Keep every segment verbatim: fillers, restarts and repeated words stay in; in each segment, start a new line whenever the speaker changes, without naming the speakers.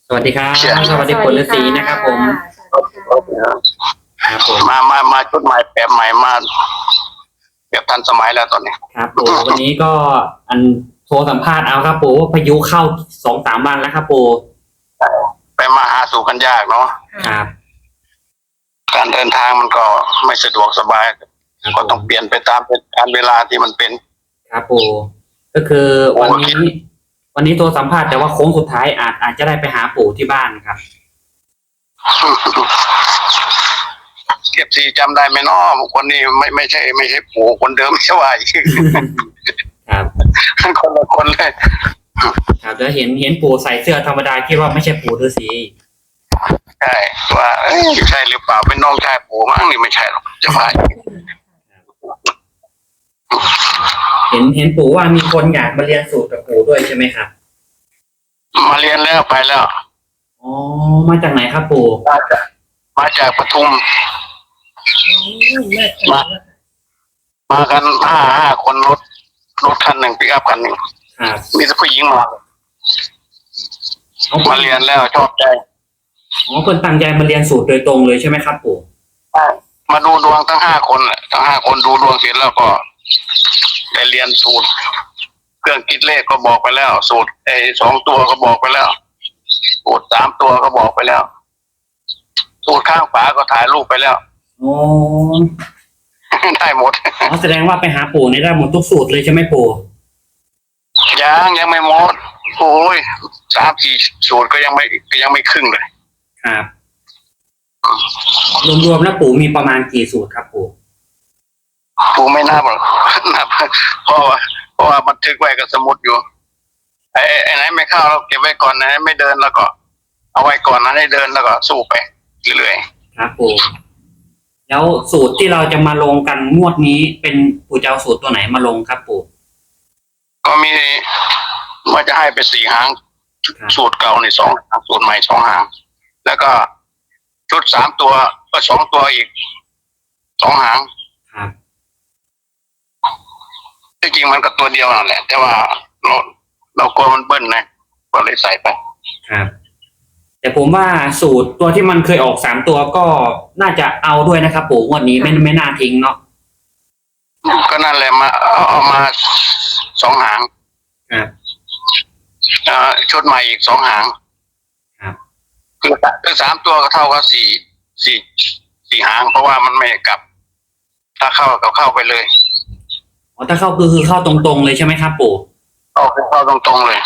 สวัสดีครับ
เชื่อ
สวัสดีผลฤาษีนะครับผมครับผม
มามามาชุดใหม่แบบใหม่มาแบบทันสมัยแล้วตอนนี้
ครับปู่วันนี้ก็อันโทรสัมภาษณ์เอาครับปู่ว่าพายุเข้าสองสามวันแล้วครับปู่
ไปมาหาสู่กันยากเนาะ
ครับ
การเดินทางมันก็ไม่สะดวกสบายก็ต้องเปลี่ยนไปตามการเวลาที่มันเป็น
ครับปู่ก็คือวันนี้ วันนี้โทรสัมภาษณ์แต่ว่าโค้งสุดท้ายอาจอาจจะได้ไปหาปู่ที่บ้านครับ
เก็บสีจำได้ไหมเนาะคนนี้ไม่ไม่ใช่ไม่ใช่ปู่คนเดิมใช่ไหม
ครับ
คนละคนเลย
ครับแล้วเห็นเห็นปู่ใส่เสื้อธรรมดาคิดว่าไม่ใช่ปู่ฤาษี
ใช่ว่าใช่หรือเปล่าเป็นน้องชายปู่มั้งนี่ไม่ใช่หรอกจะไป
เห็นเห็นปู่ว่ามีคนอยากมาเรียนสูตรกับปู่ด้วยใช่ไหมครับ
มาเรียนแล้วไปแล้ว
อ๋อมาจากไหนครับปู่
มาจากมาจากปทุมมามากันห้าห้าคนรถรถคันหนึ่งปิกอัพคันหนึ่งมีแต่ผู้หญิงมามาเรียนแล้วชอบใจ
อ๋อคนตั้งใจมาเรียนสูตรโดยตรงเลยใช่ไหมครับปู่
มาดูดวงทั้งห้าคนทั้งห้าคนดูดวงเสร็จแล้วก็ได้เรียนสูตรเครื่องคิดเลขก็บอกไปแล้วสูตรไอ้สองตัวก็บอกไปแล้วสูตรสามตัวก็บอกไปแล้วสูตรข้างฝาก็ถ่ายรูปไปแล้ว
โอ้
ได้หมด
อ๋อแสดงว่าไปหาปู่นี่ได้หมดทุกสูตรเลยใช่ไหมปู่
ยังยังไม่หมดโอ้ยสามสี่สูตรก็ยังไม่ก็ยังไม่ครึ่งเลย
ครับรวมๆแล้วปู่มีประมาณกี่สูตรครับปู่
ปู่ไม่นับหรอกนับเพราะว่าเพราะว่าบันทึกไว้กับสมุดอยู่ไอ้ไอ้ไหนไม่เข้าเราเก็บไว้ก่อนไหนไม่เดินแล้วก็เอาไว้ก่อนนะให้เดินแล้วก็สู้ไปเรื่อย
ๆครับปู่แล้วสูตรที่เราจะมาลงกันงวดนี้เป็นปู่จะเอาสูตรตัวไหนมาลงครับปู่
ก็มีว่าจะให้ไปสี่หางสูตรเก่าในสองหางสูตรใหม่สองหางแล้วก็ชุดสามตัวก็สองตัวอีกสองหาง
ครับ
ที่จริงมันก็ตัวเดียวนั่นแหละแต่ว่าเราเรากลัวมันเบิ้ลนะก็เลยใส่ไป
ครับแต่ผมว่าสูตรตัวที่มันเคยออกสามตัวก็น่าจะเอาด้วยนะครับปู่งวดนี้ไม่ไม่น่าทิ้งเนาะ
ก็นั่นแหละมาเอาเอามาสองหาง
ครับ
ชุดใหม่อีกสองหาง
ครับ
คือคือสามตัวก็เท่ากับสี่สี่สี่หางเพราะว่ามันไม่กลับถ้าเข้าก็เข้าไปเลย
อ๋อถ้าเข้าคือคือเข้าตรงๆเลยใช่ไหมครับปู่
เข้าเข้าตรงๆเลย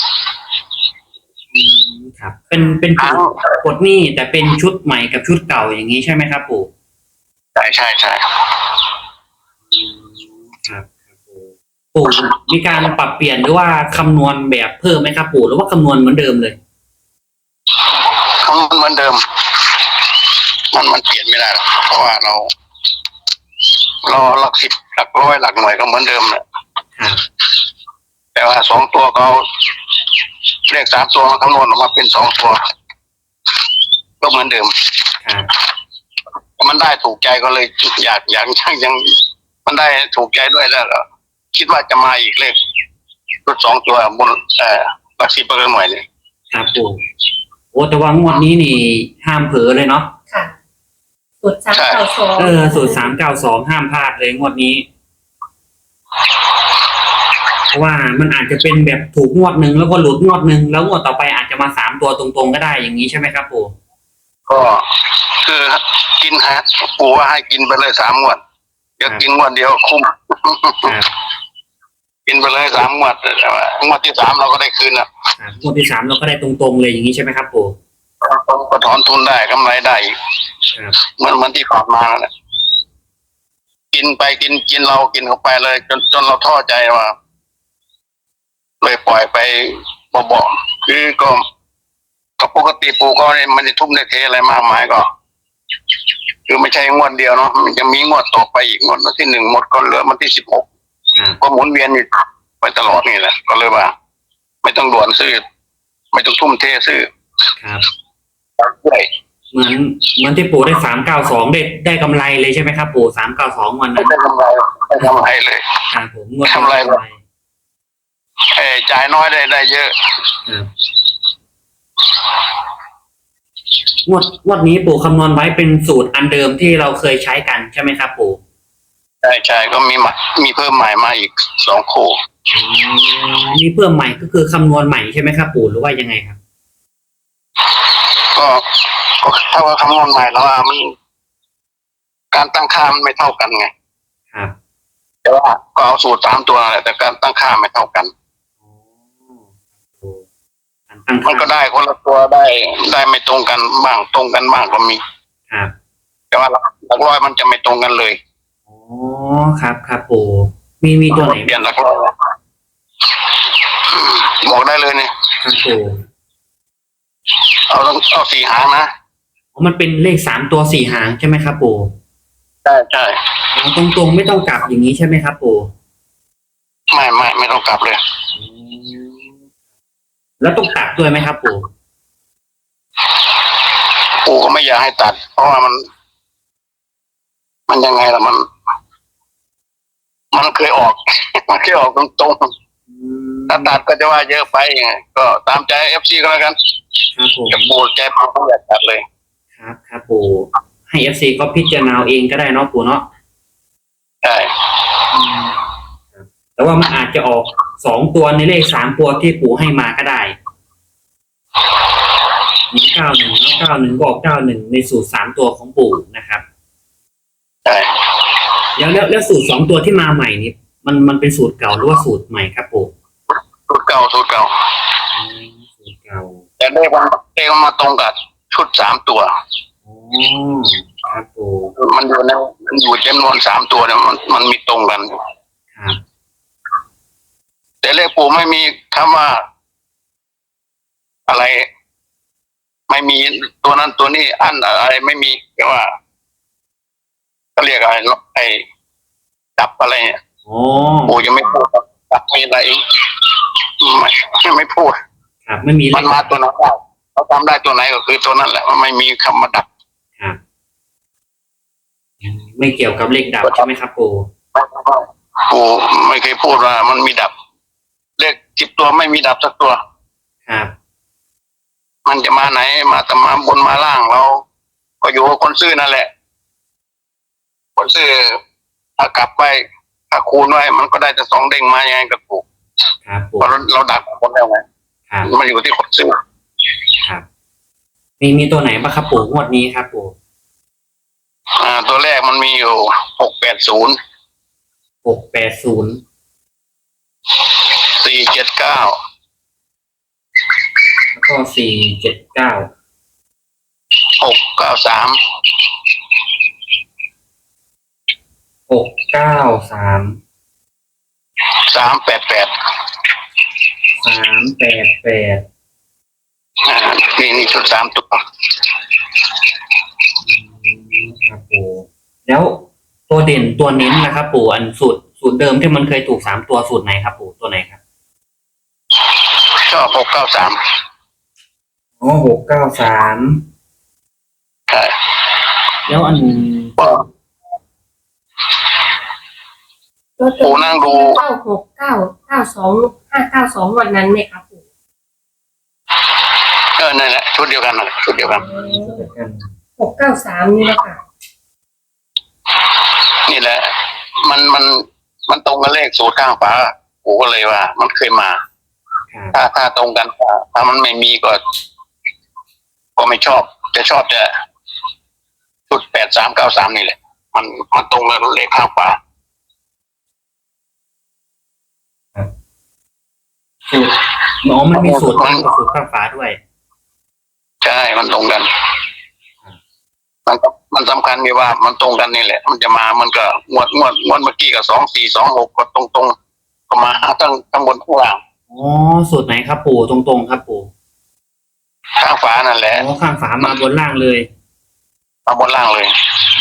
ครับเป็นเป็นชุดกดหนี้แต่เป็นชุดใหม่กับชุดเก่าอย่างนี้ใช่ไหมครับปู่
ใช่ใช่ใช่
ครับปู่มีการปรับเปลี่ยนหรือว่าคำนวณแบบเพิ่มไหมครับปู่หรือว่าคำนวณเหมือนเดิมเลย
คำนวณเหมือนเดิมมันมันเปลี่ยนไม่ได้หรอกเพราะว่าเราเราหลักสิบหลักร้อยหลักหน่วยก็เหมือนเดิมแหละแต่ว่าสองตัวเขาเลขสามตัวคำนวณออกมาเป็นสองตัวก็เหมือนเดิมมันได้ถูกใจก็เลยอยากอยากช่างยังมันได้ถูกใจด้วยแล้วก็คิดว่าจะมาอีกเลขชุดสองตัวบนเอ่อหลักสิบเปอร์เซ็นต์หน่วยนี่
ครับปู่โอ้แต่ว่างวดนี้นี่ห้ามเผลอเลยเนาะ
ค่ะสูตรสามเก้าสอง
เออสูตรสามเก้าสองห้ามพลาดเลยงวดนี้เพราะว่ามันอาจจะเป็นแบบถูกงวดหนึ่งแล้วก็หลุดงวดหนึ่งแล้วงวดต่อไปอาจจะมาสามตัวตรงๆก็ได้อย่างนี้ใช่ไหมครับปู่
ก็คือกินฮะปู่ว่าให้กินไปเลยสามงวดเดี๋ยวกินงวดเดียวคุ้มกินไปเลยสามงวดแต่ว่างวดที่สามเราก็ได้คืนแล้ว
งวดที่สามเราก็ได้ตรงๆเลยอย่างนี้ใช่ไหมครับปู่
ก็ถอนทุนได้กำไรได้เหมือนเหมือนที่ผ่านมาแล้วเนี่ยกินไปกินกินเรากินเข้าไปเลยจนจนเราท้อใจว่าเลยปล่อยไปบ่อยๆคือก็ก็ปกติปู่ก็ไม่ได้ทุ่มได้เทอะไรมากมายก็คือไม่ใช่งวดเดียวเนาะมันจะมีงวดต่อไปอีกงวดวันที่หนึ่งหมดก็เหลือวันที่สิบหกก็หมุนเวียนอยู่ไปตลอดนี่แหละก็เลยว่าไม่ต้องด่วนซื้อไม่ต้องทุ่มเทซื้อ
ครับเหมือนเหมือนที่ปู่ได้สามเก้าสองได้ได้กำไรเลยใช่ไหมครับปู่สามเก้าสองวันนั้น
ได้กำไรได้กำไรเลย
ครับผมงวด
กำไรเลยเออจ่ายน้อยได้ได้เยอะ
งวดงวดนี้ปู่คำนวณไว้เป็นสูตรอันเดิมที่เราเคยใช้กันใช่ไหมครับปู่
ใช่ใช่ก็มีมามีเพิ่มใหม่มาอีกสองคู่
มีเพิ่มใหม่ก็คือคำนวณใหม่ใช่ไหมครับปู่หรือว่ายังไงครับ
ก็ก็ถ้าว่าคำนวณใหม่แล้วว่ามันการตั้งค่ามันไม่เท่ากันไง
ครับ
แต่ว่าก็เอาสูตรสามตัวแหละแต่การตั้งค่าไม่เท่ากัน
อ๋อปู่การตั้ง
มันก็
ค่า
ได้คนละตัวได้ได้ไม่ตรงกันบ้างตรงกันบ้างก็มี
ครับ
แต่ว่าหลักร้อยมันจะไม่ตรงกันเลย
อ๋อครับครับปู่มีมีตัวไหน
เปลี่ยนหลักร้อยบอกได้เลยเนี่ย
ครับปู่
เอาต้องเอาสี่หางนะ
อ๋อมันเป็นเลขสามตัวสี่หางใช่ไหมครับปู่
ใช่ใช่
อ๋อตรงๆไม่ต้องกลับอย่างนี้ใช่ไหมครับปู่
ไม่ไม่ไม่ต้องกลับเลย
อืมแล้วต้องตัดด้วยไหมครับปู่
ปู่ก็ไม่อยากให้ตัด เพราะว่ามัน มันยังไงล่ะมัน มันเคยออก มันเคยออกตรงๆ
อืม
ถ้าตัดก็จะว่าเยอะไปไงก็ตามใจเอฟซีก็แล้วกัน
ครับผม
จะปูใจปูไม่อยากตัดเลย
ครับครับปู่ให้เอฟซีก็พิจารณาเอาเองก็ได้เนาะปู่เนาะ
ใช่
ครับแต่ว่ามันอาจจะออกสองตัวในเลขสามตัวที่ปู่ให้มาก็ได้หนึ่งเก้าหนึ่งแล้วเก้าหนึ่งบอกเก้าหนึ่งในสูตรสามตัวของปู่นะครับ
ใช่
แล้วแล้วแล้วสูตรสองตัวที่มาใหม่นี่มันมันเป็นสูตรเก่าหรือว่าสูตรใหม่ครับปู่
สูตรเก่าสูตรเก่า
อืมสูตรเก่า
แต่เลขมันเลขมันมาตรงกับชุดสามตัว
อ๋อครับปู่
มันอยู่ในมันอยู่จำนวนสามตัวเนี่ยมันมันมีตรงกัน
ครับ
แต่เลขปู่ไม่มีคำว่า อะไร ไม่มีตัวนั้นตัวนี้อันอะไรไม่มีแต่ว่าเขาเรียกอะไรไอ้ดับอะไรเนี่ย
อ๋อ
ปู่ยังไม่พูดดับมีอะไรอีกไม่ไม่พูด
ครับไม่มีเล
มัน
ข
มาตัวไหนได้เขาทำได้ตัวไหนก็คือตัวนั้นแหละมันไม่มีคำว่าดับ
ครับอืมไม่เกี่ยวกับเลขดับใช่ไหมครับปู่
ปู่ไม่เคยพูดว่ามันมีดับ เลขสิบตัวไม่มีดับสักตัว
ครับ
มันจะมาไหนมาแต่มาบนมาล่างเรา ก็อยู่กับคนซื้อนั่นแหละ คนซื้อถ้ากลับไปถ้าคูณไว้มันก็ได้แต่สองเด้งมายังไงก็ถูก
ครับปู่
เพราะเราเราดักคนแล้วไง
ครับ
มันอยู่ที่คนซื้อ
ครับ มีมีตัวไหนบ้างครับปู่งวดนี้ครับปู่
อ่า ตัวแรกมันมีอยู่หกแปดศูนย์
หกแปดศูนย์
สี่เจ็ดเก้า
แล้วก็สี่เจ็ดเก้า
หกเก้าสาม
หกเก้าสาม
สามแปดแปด
สามแปดแปด
อ่านี่นี่ชุดสามตัว
ครับปู่แล้วตัวเด่นตัวเน้นนะครับปู่อันสูตรสูตรเดิมที่มันเคยถูกสามตัวสูตรไหนครับปู่ตัวไหนครับ
ชอบหกเก้าสาม
อ๋อหกเก้าสาม
ใช่
แล้วอัน
ก็
ตัว
ปู่นั่งดู
เก้าหกเก้าเก้าสองห้าเก้าสองวันนั้นไหมครับปู่
เออนั่นแหละชุดเดียวกันนะชุดเดียวกัน
หกเก้าสามนี่แหละค่ะ
นี่แหละ มันมันมันตรงกับเลขสูตรข้างฝาปู่ก็เลยว่า มันเคยมา
ครับ
ถ้าถ้าตรงกันถ้ามันไม่มีก็ ก็ไม่ชอบจะชอบจะชุดแปดสามเก้าสามนี่แหละ มันมันตรงกับเลขข้างฝา
สูตรอ๋อมันมีสูตรตั้งกับสูตรข้างฝาด้วย
ใช่มันตรงกัน มันก็มันสำคัญที่ว่ามันตรงกันนี่แหละ มันจะมามันก็งวดงวดงวดเมื่อกี้กับสองสี่สองหกก็ตรงตรงๆก็มาทั้งทั้งบนข้างล่าง
อ๋อสูตรไหนครับปู่ตรงๆครับปู่
ข้างฝานั่นแหละ
อ๋อข้างฝามาบนล่างเลย
เอาบนล่างเลย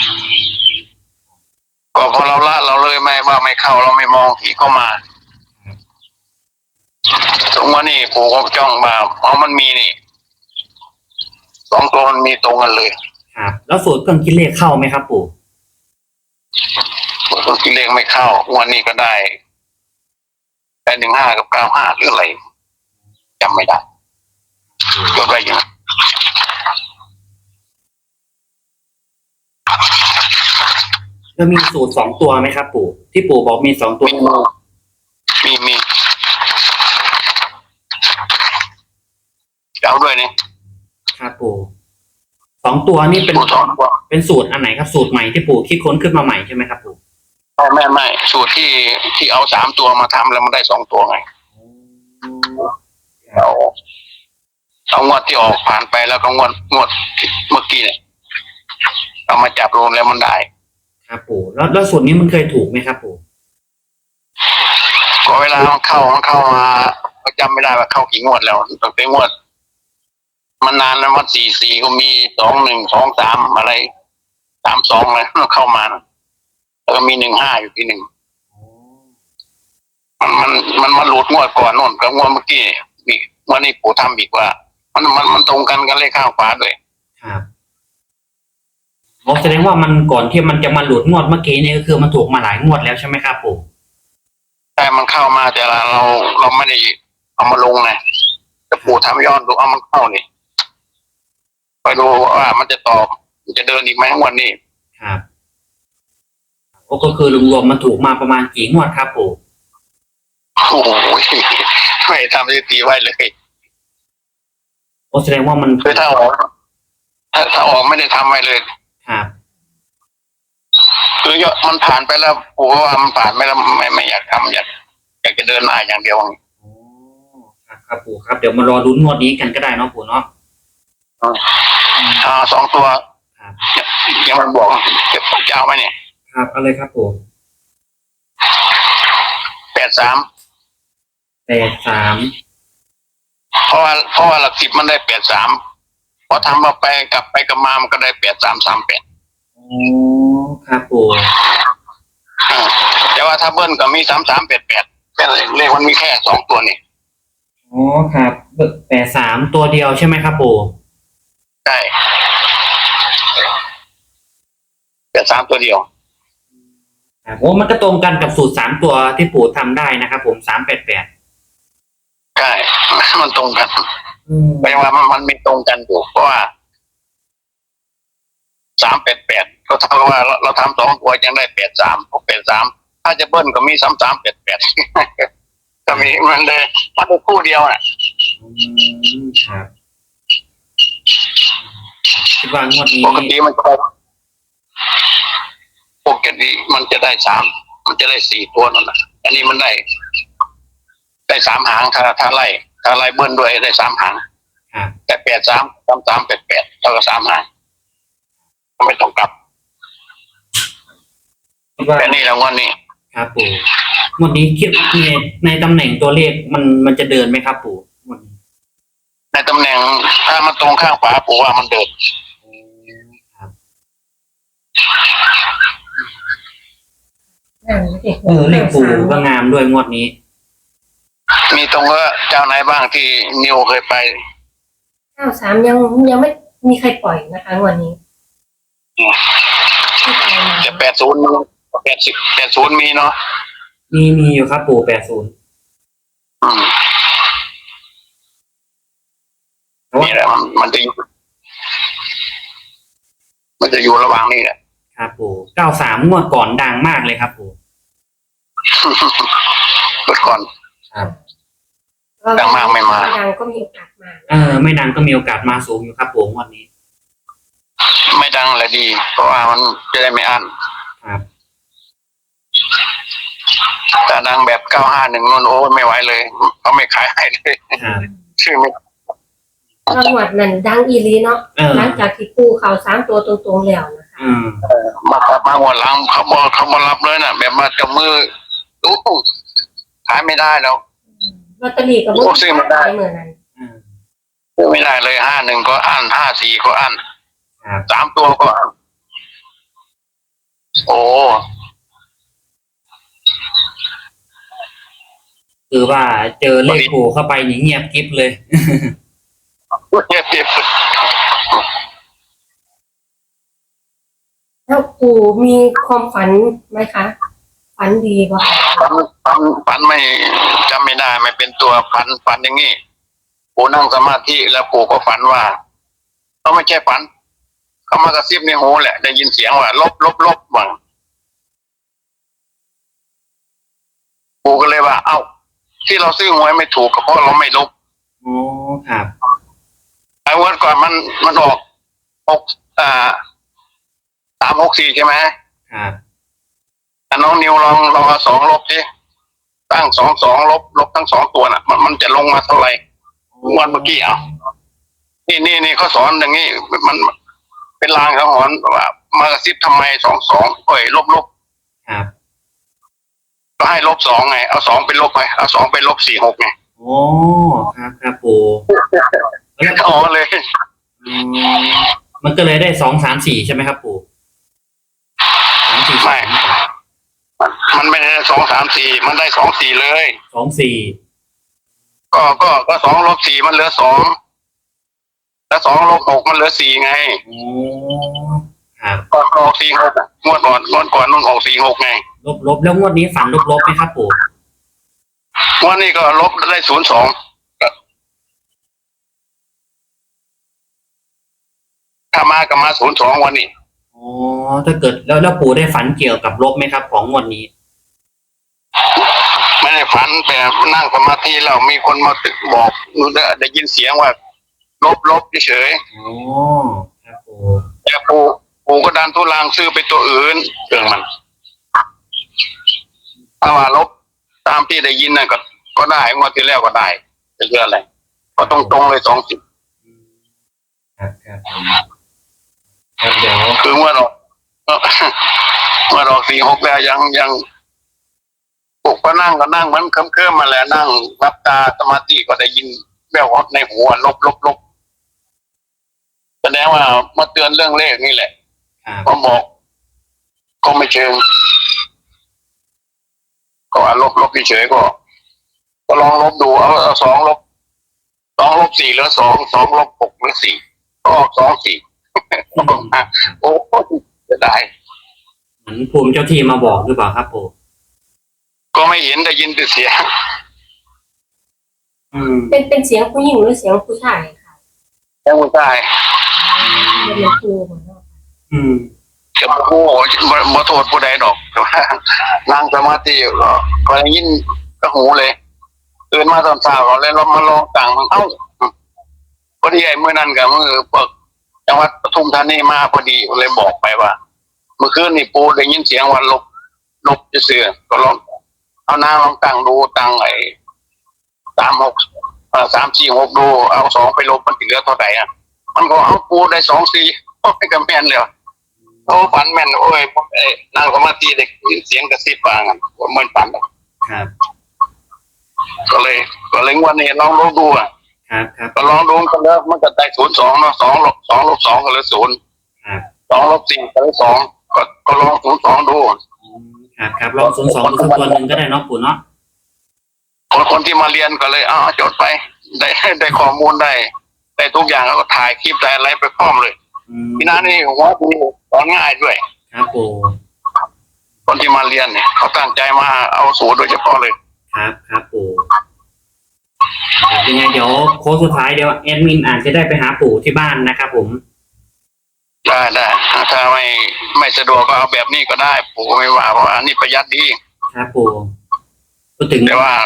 ก็พอเราละเราเลยไม่ว่าไม่เข้าเราไม่มองที่เข้ามาตรงว่านี่ปู่ก็จ้องมาเพราะมันมีนี่สองตัวมันมีตรงกันเลย
ครับแล้วสูตรเครื่องคิดเลขเข้าไหมครับปู่
ตัวที่เลขไม่เข้างวันนี้ก็ได้ได้หนึ่งห้ากับเก้าห้าหรืออะไรจำไม่ได้จดไว้อยัง
แล้วมีสูตรสองตัวไหมครับปู่ที่ปู่บอกมีสองตัว
มีมีมีเอาด้วยนี่
ครับปู่สองตัวนี่เป็น
สูตรสองตัว
เป็นสูตรอันไหนครับสูตรใหม่ที่ปู่คิดค้นขึ้นมาใหม่ใช่ไหมครับปู่
ไม่ไม่ไม่สูตรที่ที่เอาสามตัวมาทำแล้วมันได้สองตัวไงเอาเอางวดที่ออกผ่านไปแล้วก็งวดงวดเมื่อกี้เนี่ยเอามาจับรวมแล้วมันได้
ครับปู่แล้วแล้วสูตรนี้มันเคยถูกไหมครับปู่
ก็เวลามันเข้ามันเข้ามาก็จำไม่ได้ว่าเข้ากี่งวดแล้วตั้งแต่งวดมันนานแล้วมันสี่สี่ก็มีสองหนึ่งสองสามอะไรสามสองเลยเข้ามานะแล้วก็มีหนึ่งห้าอยู่ที่หนึ่งมันมันมันมันหลุดงวดก่อนโน่นกับงวดเมื่อกี้นี่งวดนี้ปู่ทำอีกว่า มันมันมันตรงกันกันเลขข้างขวาด้วย
ครับโอ้แสดงว่ามันก่อนที่มันจะมาหลุดงวดเมื่อกี้นี่ก็คือมันถูกมาหลายงวดแล้วใช่ไหมครับปู่
แต่มันเข้ามาแต่ละเราเราไม่ได้เอามาลงไงแต่ปู่ทำย้อนดูเอามันเข้านี่ไปดูว่ามันจะตอบมันจะเดินอีกไหมงวดนี้
ครับโอ้ก็คือรวมๆมันถูกมาประมาณกี่งวดครับปู่
โอ้โหไม่ทำสถิติไว้เลย
โอ้แสดงว่ามัน
คือถ้าออกถ้าถ้าออกไม่ได้ทำไว้เลย
ครับ
คือยอดมันผ่านไปแล้วปู่ว่ามันผ่านไปแล้วไม่ไม่อยากทำอยากอยากจะเดินหน้าอย่างเดียว
โอ้ครับครับปู่ครับเดี๋ยวมารอลุ้นงวดนี้กันก็ได้เนาะปู่เนาะ
อ่าสองตัว
ครับ
ยังมันบอกจะจะเอาไหมเนี่ย
ครับเอาเลยครับปู่
แปดสาม
แปดสาม
เพราะว่าเพราะว่าหลักสิบมันได้แปดสามพอทำมาไปกลับไปกลับมามันก็ได้แปดสามสามแปด
โอ้ครับปู่
แต่ว่าถ้าเบิ้ลก็มีสามสามแปดแปดแค่เลขมันมีแค่สองตัวนี่
โอ้ครับแปดสามตัวเดียวใช่ไหมครับปู่
ใช่แปดสามตัวเดียว
ครับโอ้มันก็ตรงกันกับสูตรสามตัวที่ปู่ทำได้นะครับผมสามแปดแปด
ใช่ มันตรงกัน
อืม
แปลว่ามันมันมีตรงกันอยู่เพราะว่าสามแปดแปดก็เท่ากับว่าเราเราทำสองตัวยังได้แปดสามพวกแปดสามถ้าจะเบิ้ลก็มีสามสามแปดแปดก็มีมันเลยมันเป็นคู่เดียวอ่ะ
อืมครับคิดว่างวดนี้
ปกติมันก็ปกติมันจะได้สามมันจะได้สี่ตัวนั่นแหละอันนี้มันได้ ได้สามหางถ้าถ้าไล่ถ้าไล่เบิ้ลด้วยได้สามหาง
ครับ
แต่แปดสามสามสามแปดแปดเท่ากับสามหางไม่ต้องกลับ
คิดว่า
แต่นี่แล้ววันนี้
ครับปู่งวดนี้คิดในในตำแหน่งตัวเลขมันมันจะเดินไหมครับปู่งวดนี้
ในตำแหน่งถ้ามันตรงข้างขวาปู่ว่ามันเดิน
ครับ
นั่นเด็ก
เออเลขปู่ก็งามด้วยงวดนี้
มีตรงว่าเจ้าไหนบ้างที่นิวเคยไป
เก้าสามยังยังไม่มีใครปล่อยนะคะวันนี้ที่ปล่อยมา
จะแปดศูนย์แปดสิบแปดศูนย์มีเนาะ
มีมีอยู่ครับปู่แปดศูนย์
อืมนี่แหละมันมันจะอยู่มันจะอยู่ระหว่างนี้แหละ
ครับปู่เก้าสามงวดก่อนดังมากเลยครับปู่
เปิดก่อน
ครับ
ดังมากไม่มา
ดังก็มีโอกาสมา
เออไม่ดังก็มีโอกาสมาสูงอยู่ครับปู่งวดนี้
ไม่ดังเลยดี เพราะว่ามันจะได้ไม่อั้น
ครับ
แต่ดังแบบเก้าห้าหนึ่งนนโอ้ไม่ไหวเลยเขาไม่ขายให้เลย
ครับ
ชื่อไม่
จังหวัดนั้นดังอีรีเนาะ
เออ
หลังจากที่ปูเขาสามตัวตรงๆแล้วนะคะ
อืม
มามามวนหลังเขาบอกเขามารับเลยนะแบบมาจับมือดูขายไม่ได้แล้ว
ลอตเตอรี่กับ
โอ้ซื้อมาได้
เหมือนนั้น
อืม
ไม่ได้เลยห้าหนึ่งก็อั้นห้าสี่ก็อั้น
ครับ
สามตัวก็อั้นโอ้
คือว่าเจอเลขปู่เข้าไปนี่เงียบกริบเลย
เจ็บเจ็บ
แล้วปูมีความฝันไหมคะ ฝันดีป่ะ
ฝันฝันฝันไม่จำไม่ได้ไม่เป็นตัวฝันฝันอย่างงี้ปู่นั่งสมาธิแล้วปู่ก็ฝันว่าเขาไม่ใช่ฝันเขามากระซิบในหูแหละได้ยินเสียงว่าลบลบลบบังปู่ก็เลยว่าเอ้าที่เราซื้อหวยไม่ถูกก็เพราะเราไม่ลบ
โอ้ครับ
ไอ้วันก่อนมันมันออกหกอ่าสามหกสี่ใช่ไหม
ครับ
แต่น้องนิวลองลองเอาสองลบสิตั้งสองสองลบลบทั้งสองตัวน่ะ มันมันจะลงมาเท่าไหร่วันเมื่อกี้อ่ะนี่นี่นี่เขาสอนอย่างนี้มันเป็นลางสังหรณ์ว่ามากระซิบทำไมสองสองเอ้ยลบลบ
ครับ
ก็ให้ลบสองไงเอาสองเป็นลบไปเอาสองเป็นลบสี่หกไง
โอ้ครับครับปู่แล้ว
อ๋อเลย
อืมมันก็เลยได้สองสามสี่ใช่ไหมครับปู่สามสี่
ไม่มันมันไม่ได้สองสามสี่มันได้สองสี่เลย
สองสี่
ก็ก็ก็สองลบสี่มันเหลือสองแล้วสองลบหกมันเหลือสี่ไง
โอ้ครับ
ก็ออกสี่หกงวดก่อนงวดก่อนมันออกสี่หกไง
ลบลบแล้วงวดนี้ฝันลบลบไหมครับปู่
งวดนี้ก็ลบได้ศูนย์สองถ้ามาก็มาศูนย์สองวันนี้
อ๋อถ้าเกิดแล้วแล้วปู่ได้ฝันเกี่ยวกับลบไหมครับ ของงวดนี้
ไม่ได้ฝันแต่นั่งสมาธิแล้วมีคนมาตึกบอกได้ยินเสียงว่า ลบลบเฉย
อ๋อครับปู่
ๆแต่ปู่ปู่ก็ดันทุลังซื้อไปตัวอื่นเรื่องมันถ้าว่าลบตามที่ได้ยินน่ะก็ก็ได้งวดที่แล้วก็ได้จะเยอะอะไรก็ตรงตรงๆเลยสองสิบ
ครับครับครับเดี๋ยว
คือเมื่อเราเมื่อเราสี่หกแล้วยังยังปลุกก็นั่งก็นั่งมันเคลิ้มๆมาแล้วนั่งรับตาสมาธิก็ได้ยินแววในหัวลบลบลบแสดงว่ามาเตือนเรื่องเลขนี่แหละ
ครับ
ก็บอกก็ไม่เชิงก็ว่าลบลบเฉยๆก็ ก็ลองลบดูเอาเอาสองลบสองลบสี่หรือสองสองลบหกหรือสี่ก็ออกสองสี่ โอ้จะได้
เหมือนภูมิเจ้าที่มาบอกหรือเปล่าครับปู่
ก็ไม่เห็นได้ยินแต่เสียง
อืม
เป็นเป็นเสียงผู้หญิงหรือเสียงผู้ชายค่ะ
ยังไม่ได้
เป็นเสียงครูเหมือนกัน
อืม
จะโอ้โหบ่บ่โทษผู้ใดดอกแต่ว่านั่งสมาธิอยู่ก็ก็ได้ยินกระหูเลยตื่นมาตอนเช้าก็เลยลองมาลองต่างเอ้าพอดีไอ้เมื่อนั้นกับมือพวกจังหวัดปทุมธานีมาพอดีเลยบอกไปว่า เมื่อคืนนี่ปูได้ยินเสียงวันลบลบจะเสือก็ลองเอาหน้าลองตั้งดูตั้งไอ้สามหกเอ่อสามสี่หกดูเอาสองไปลบมันเหลือเท่าไหร่อ่ะมันก็เอาปูได้สองสี่โอ้ยกำแม่นเลยโอ้ฝันแม่นโอ้ยเอ้ยนั่งสมาธิเด็กยินเสียงกระซิบฟังอ่ะเหมือนฝันอะ
ครับ
ก็เลย ก็เลยงวันนี้ลองลองดูอ่ะ
ครับครับ
ก็ลองดูกันแล้วมันก็ได้ศูนย์สองเนาะสองลบสองลบสองก็เหลือศูนย์
ครับ
สองลบสี่ก็เหลือสองก็ก็ลองศูนย์สองดู
อืมครับครับลองศูนย์สองดูสักตัวหนึ่งก็ได้เนาะปู่เนาะ
คนคนที่มาเรียนก็เลยอ้าวจดไป ได้ได้ข้อมูลได้ได้ทุกอย่างแล้วก็ถ่ายคลิปได้อะไรไปพร้อมเลย
อืม
พี่น้านี่หัวดีสอนง่ายด้วย
ครับปู่
คนที่มาเรียนเนี่ยเขาตั้งใจมาเอาสูตรโดยเฉพาะเลย
ครับครับปู่ครับยังไงเดี๋ยวโค้งสุดท้ายเดี๋ยวแอดมินอาจจะได้ไปหาปู่ที่บ้านนะครับผม
ได้ได้ถ้าไม่ไม่สะดวกก็เอาแบบนี้ก็ได้ปู่ก็ไม่ว่าเพราะว่าอันนี้ประหยัดดี
ครับปู่พูดถึง
แต่ว่า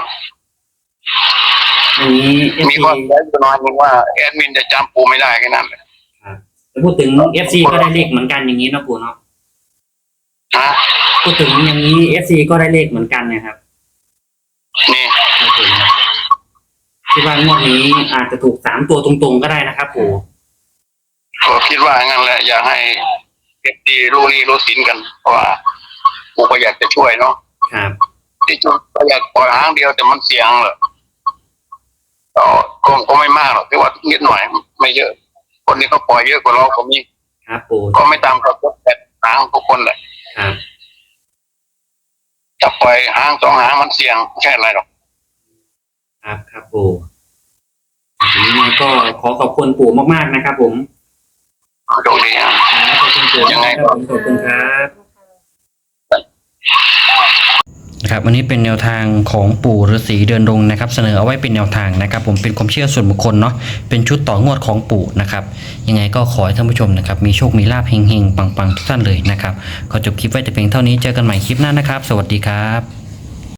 อันนี้เอฟ
มี
ซี
ความแย่อยู่น้อยนึงว่าแอดมินจะจำปู่ไม่ได้แค่นั้นแหละ
แต่พูดถึงเอฟซีก็ได้เลขเหมือนกันอย่างนี้เนาะปู่เนาะ
ฮะ
พูดถึงอย่างนี้เอฟซีก็ได้เลขเหมือนกันนะครับ
นี่
ครับผมคิดว่างวดนี้อาจจะถูกสามตัวตรงๆก็ได้นะครับปู่
ก็คิดว่างั้นแหละอยากให้เอฟดีรู้นี่รู้สินกัน เพราะว่าปู่ก็อยากจะช่วยเนาะ
ครับ
ที่จุดก็อยากปล่อยหางเดียวแต่มันเสี่ยงเหรอก็ก็ก็ไม่มากหรอกที่ว่านิดหน่อยไม่เยอะ คนนี้ก็ปล่อยเยอะกว่าเราก็มี
ครับปู่
ก็ไม่ตามกับแปดหางทุกคนเลย
ครับ
จะปล่อยหางสองหางมันเสี่ยงไม่ใช่อะไรหรอก
ครับครับปู่ยังไงก็ขอขอบคุณปู่มากๆนะครับผม
โชคดีอ่ะ
ครับขอบคุณปู่
ยังไง
ครับผมขอบคุณครับนะครับวันนี้เป็นแนวทางของปู่ฤาษีเดินดงนะครับเสนอเอาไว้เป็นแนวทางนะครับผมเป็นความเชื่อส่วนบุคคลเนาะเป็นชุดต่องวดของปู่นะครับยังไงก็ขอให้ท่านผู้ชมนะครับมีโชคมีลาภเฮงๆปังๆทุกท่านเลยนะครับขอจบคลิปไว้แต่เพียงเท่านี้เจอกันใหม่คลิปหน้านะครับสวัสดีครับ